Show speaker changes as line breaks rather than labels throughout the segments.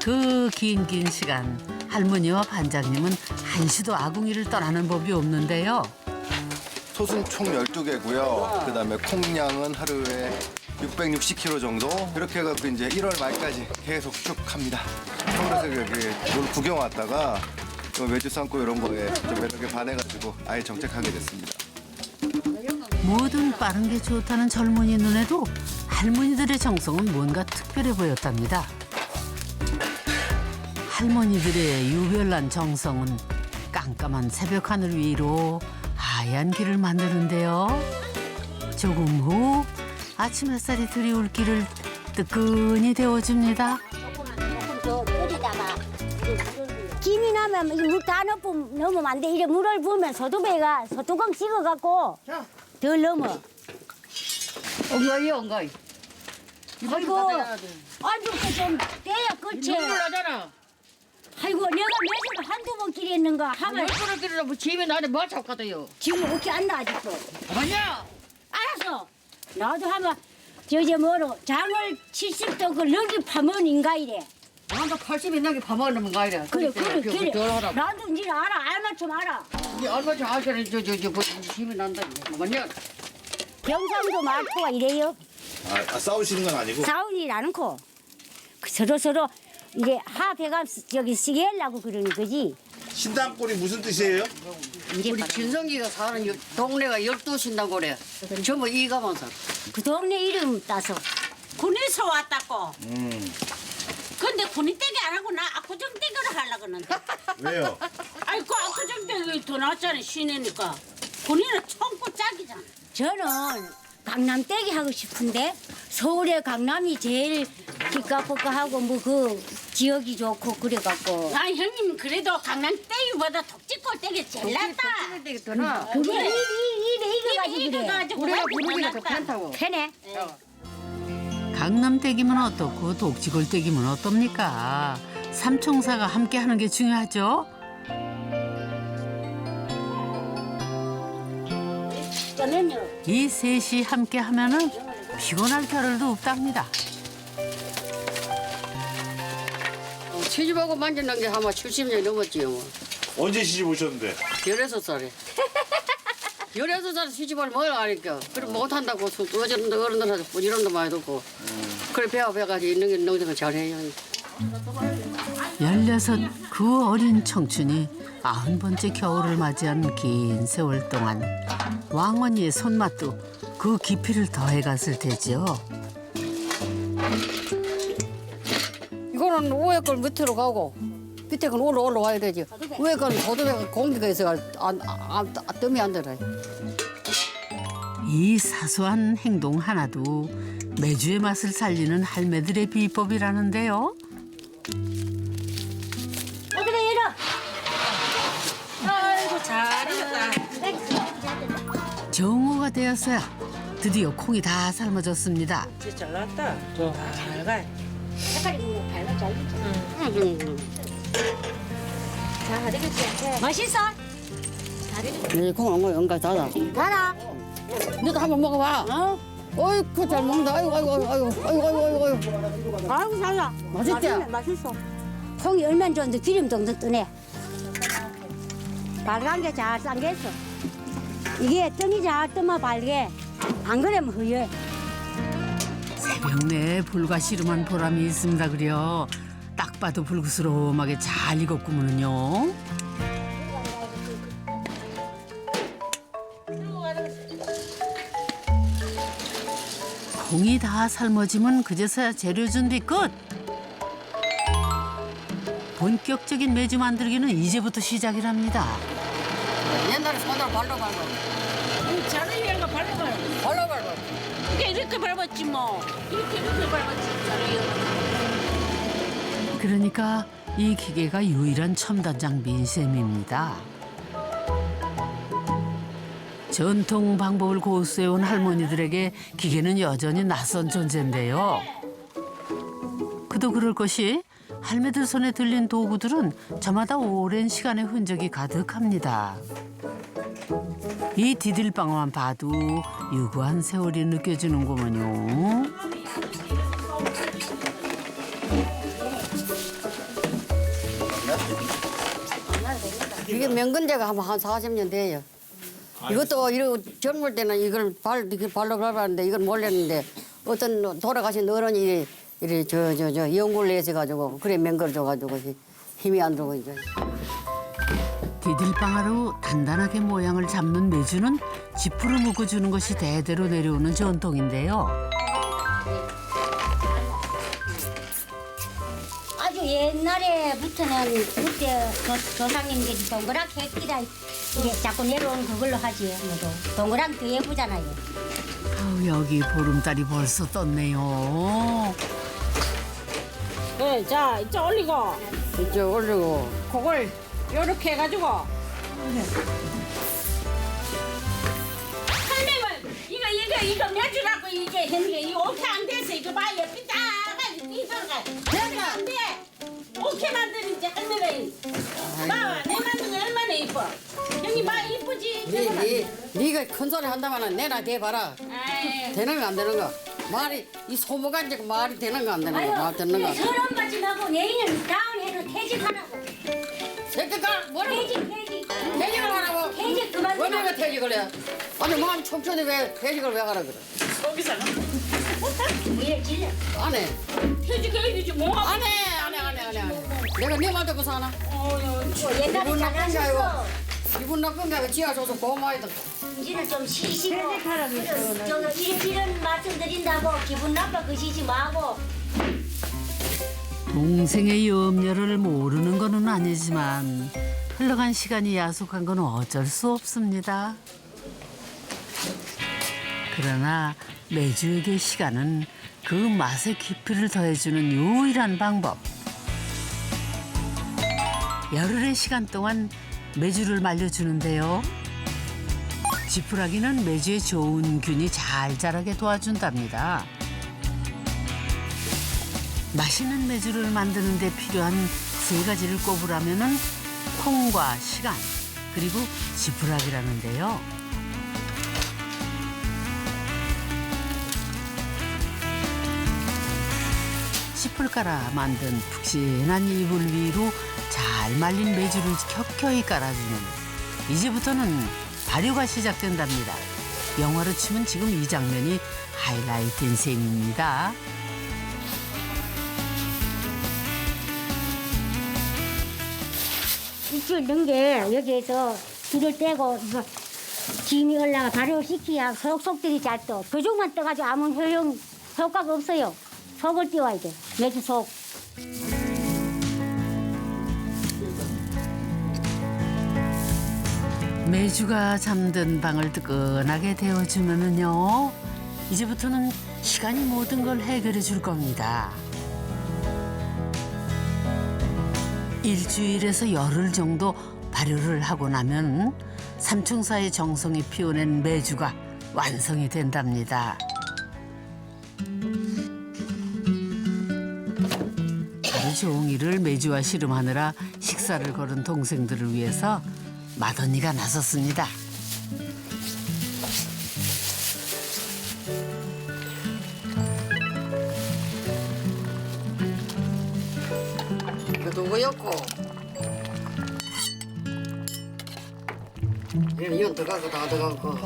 그 긴 시간 할머니와 반장님은 한시도 아궁이를 떠나는 법이 없는데요.
솥은 총 12개고요. 그다음에 콩량은 하루에 660kg 정도. 그렇게 해갖고 이제 1월 말까지 계속 쭉 합니다. 서울에서 여기 놀 구경 왔다가 또 매주 삶고 이런 거에 좀 매력에 반해가지고 아예 정착하게 됐습니다.
뭐든 빠른 게 좋다는 젊은이 눈에도 할머니들의 정성은 뭔가 특별해 보였답니다. 할머니들의 유별난 정성은 깜깜한 새벽 하늘 위로 하얀 길을 만드는데요. 조금 후 아침 햇살이 들이올 길을 뜨끈히 데워줍니다.
조금 더 끓이다가 김이 나면 물 다 넣으면 안 돼. 이래 물을 부으면 소두배가 소뚜껑 식어갖고 덜 넘어.
엉거이 엉거이.
아이고, 아이고 그좀 떼야 끝이.
눈물 나잖아.
아이고 내가 매일 한두 번 길했는가 하면
얼굴을 길으라고 집에 나한테 뭐 잡거든요.
지금 어떻게 안 나 아직도.
뭐냐?
알았어. 나도 하면 저제 뭐로 장을 70도 그 럭이 파면 인가 이래.
나한테 80이 넘게 밥 먹는 거 아니라.
그래 그래.
덜하라.
나도 이제 알아 알맞춤 알아.
이 얼마 전 알잖아. 저 집에 난다. 뭐냐?
경상도 말투가 이래요.
싸우시는 건 아니고?
싸우지 않고 서로 이제 합해가 저기 쓰게 하려고 그러는 거지.
신당골이 무슨 뜻이에요?
이제
우리 진성이가 사는 동네가 12신당 고래. 전부 이가만 살아.
그 동네 이름 따서
군에서 왔다고. 근데 군인 떼기 안 하고 나 압구정 떼기를 하려고 하는데.
왜요?
아이 그 압구정 떼기 더 낫잖아 시내니까. 군인은 총구 짝이잖아.
저는 강남 떼기 하고 싶은데 서울의 강남이 제일 기가포가하고 뭐 그 지역이 좋고 그래갖고
아 형님 그래도 강남 떼기보다 독지골 떼기 제일 낫다.
되겠더나.
그게
그래.
입에
이거
이거가지고 그래.
가지고
우리가
훨씬
부르기가
더
더
낫다.
편하고.
편해.
강남 떼기면 어떻고 독지골 떼기면 어떻습니까? 삼총사가 함께 하는 게 중요하죠.
그러면요.
이 셋이 함께 하면은 피곤할 겨를도 없답니다.
시집하고 만지는 게 아마 70년이 넘었지요. 뭐.
언제 시집 오셨는데?
16살에. 16살에 시집을 뭘 아니까. 그래 못한다고 어제는 어른들한테 부지런도 많이 듣고. 그래 배워가지고 있는 게 농생을 잘해요.
16 그 어린 청춘이 90번째 겨울을 맞이한 긴 세월 동안 왕언니의 손맛도 그 깊이를 더해갔을 테지요.
이거는 위에 걸 밑으로 가고 밑에 건 올라와야 되지. 위에 건 고도배가 공기가 있어가 뜸이 안 들어요.
이 사소한 행동 하나도 매주의 맛을 살리는 할매들의 비법이라는데요.
그래 이러.
아이고 잘했다.
정오가 되었어야 드디어 콩이 다 삶아졌습니다.
진짜 잘 나왔다. 잘 가.
색깔이 뭐 밝아 잘 익죠.
잘하겠지.
맛있어?
이 콩은 뭐 연가 다다.
달아.
너도 한번 먹어봐.
어?
어이구 잘 먹는다. 아이고.
아이고 잘나.
맛있지?
맛있어. 콩이 얼마나 좋은데 기름 동동 뜨네. 빨간 게 잘 삶겠어. 이게 뜸이 잘 뜨면 빨개. 안 그러면 흐여.
새벽 내에 불과 씨름한 보람이 있습니다 그려. 딱 봐도 불그스름하게 잘 익었구먼요. 콩이 다 삶아지면 그제서야 재료 준비 끝. 본격적인 매주 만들기는 이제부터 시작이랍니다.
옛날에 손으로 발로
자네가 밟아봐요. 이렇게 밟았지 뭐. 이렇게 밟았지.
그러니까 이 기계가 유일한 첨단 장비인 셈입니다. 전통 방법을 고수해온 할머니들에게 기계는 여전히 낯선 존재인데요. 그도 그럴 것이 할매들 손에 들린 도구들은 저마다 오랜 시간의 흔적이 가득합니다. 이 디딜방만 봐도 유구한 세월이 느껴지는구먼요.
이게 명근제가 한 40년 돼요. 이것도 이러고 젊을 때는 이걸 이렇게 발로 밟았는데 이걸 몰랐는데 어떤 돌아가신 어른이 이래 저 연골 내셔가지고 그래 맹걸 줘가지고 힘이 안 들고 이제.
디딜방아로 단단하게 모양을 잡는 메주는 지프로 묶어주는 것이 대대로 내려오는 전통인데요.
아주 옛날에부터는 그때 조상님들이 동그랗게 했기라 이게 자꾸 내려오는 그걸로 하지. 뭐도 동그랗게 더 예쁘잖아요.
아우, 여기 보름달이 벌써 떴네요.
네, 자 이쪽 올리고
이제 올리고
그걸 요렇게 해가지고 할매는 이거 매주라고 이게 했는데 이거 오케이 안 돼서 이거 봐 예쁘다가 이거가 내가 안 돼. 오케이 만드는 이제 할매는 봐봐 내 만든 거 얼마나 이뻐. 형님 봐 이쁘지.
네가 큰 소리 한다면은 내나 대봐라.
아이,
되는 거 안 되는 거. 말이 이 소모가 이제 말이 되는 거 안 되는 거. 말 되는 거.
서른 받지 말고 내일은 다운해서 퇴직하라고.
새끼가 뭐라고? 퇴직을 하라고.
퇴직 그만.
왜 내가 퇴직을 해? 아니 마음 청춘이 왜 퇴직을 왜 하라 그래?
거기서는
왜 질려?
안 해.
퇴직해야지 뭐.
안 해. 내가 네 말 듣고 사나?
옛날에
기분 나쁜 게 아니고
잘하셨어.
기분 나쁜 게 아니고 지하 줘서 고마워야 돼.
이제는 좀 쉬시고. 저거 이런 말씀 드린다고 기분 나빠 그시지 마고.
동생의 염려를 모르는 건 아니지만 흘러간 시간이 야속한 건 어쩔 수 없습니다. 그러나 매주에게 시간은 그 맛의 깊이를 더해주는 유일한 방법. 열흘의 시간 동안 매주를 말려주는데요. 지푸라기는 매주에 좋은 균이 잘 자라게 도와준답니다. 맛있는 매주를 만드는 데 필요한 세 가지를 꼽으라면은 콩과 시간, 그리고 지푸라기라는데요. 씨풀 깔아 만든 푹신한 이불 위로 잘 말린 매주를 켜켜이 깔아주는, 이제부터는 발효가 시작된답니다. 영화로 치면 지금 이 장면이 하이라이트인 셈입니다.
일주일 넣은 게 여기에서 불을 떼고 이거 김이 올라가 발효시켜야 속들이 잘 떠. 그쪽만 떠가지고 아무 효과가 없어요. 속을 띄워야 돼. 매주 속.
매주가 잠든 방을 뜨끈하게 데워주면은요, 이제부터는 시간이 모든 걸 해결해 줄 겁니다. 일주일에서 열흘 정도 발효를 하고 나면 삼총사의 정성이 피워낸 매주가 완성이 된답니다. 하루 종일을 매주와 씨름하느라 식사를 거른 동생들을 위해서 맏언니가 나섰습니다.
이거 누구였고? 이건 들어가고 다 들어가고.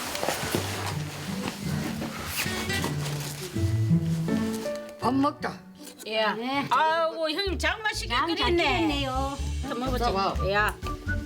밥 먹자.
예.
네.
아이고 형님 장맛있게
잘
끓였네.
끓였네요.
또 먹어보자.
잡아.
야.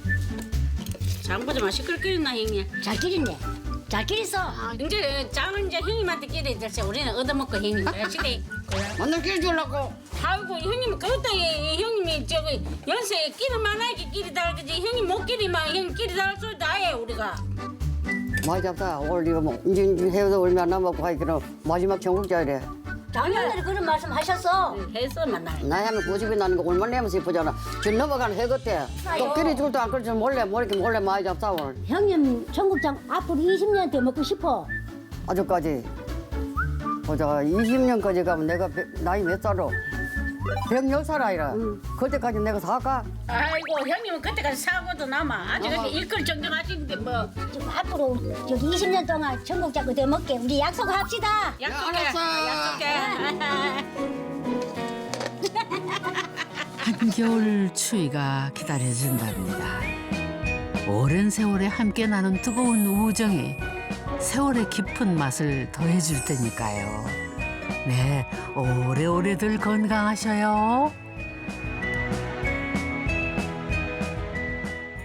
장보자 맛있게 끓였나 형님.
잘 끓였네. 잘 끓였어.
이제 장은 이제 형님한테 끼리 됐어. 우리는 얻어먹고 형님 시대.
만날 길 주려고.
아이고 형님 그것도 형님이 저기 연세에 끼리 많아게 끼리 달그지 형님 못 끼리만 형 끼리 달 소리도 아예 우리가.
많이 잡다. 오늘 이거 뭐 이제 해도 얼마 안 남았고 하기는 마지막 전국자이래.
작년에 그런 말씀 하셨어.
해서 만나.
나이 하면 90이 나는 거 얼마나 내면서 이쁘잖아. 지금 넘어가는 해 같아. 또 끼리 줄도 안 끌지 몰래 많이 잡다 오늘.
형님 청국장 앞으로 20년 더 먹고 싶어.
아직까지 보자 20년까지 가면 내가 나이 몇 살로? 110살 아이라. 그때까지 내가 살까?
아이고 형님은 그때까지 사고도 남아. 아직 일거리 정정하시는데 뭐.
지금 앞으로 저기 20년 동안 청국장 더 먹게 우리 약속합시다.
약속해.
알았어.
약속해.
한 겨울 추위가 기다려진답니다. 오랜 세월에 함께 나눈 뜨거운 우정이 세월의 깊은 맛을 더해줄 테니까요. 네, 오래오래들 건강하셔요.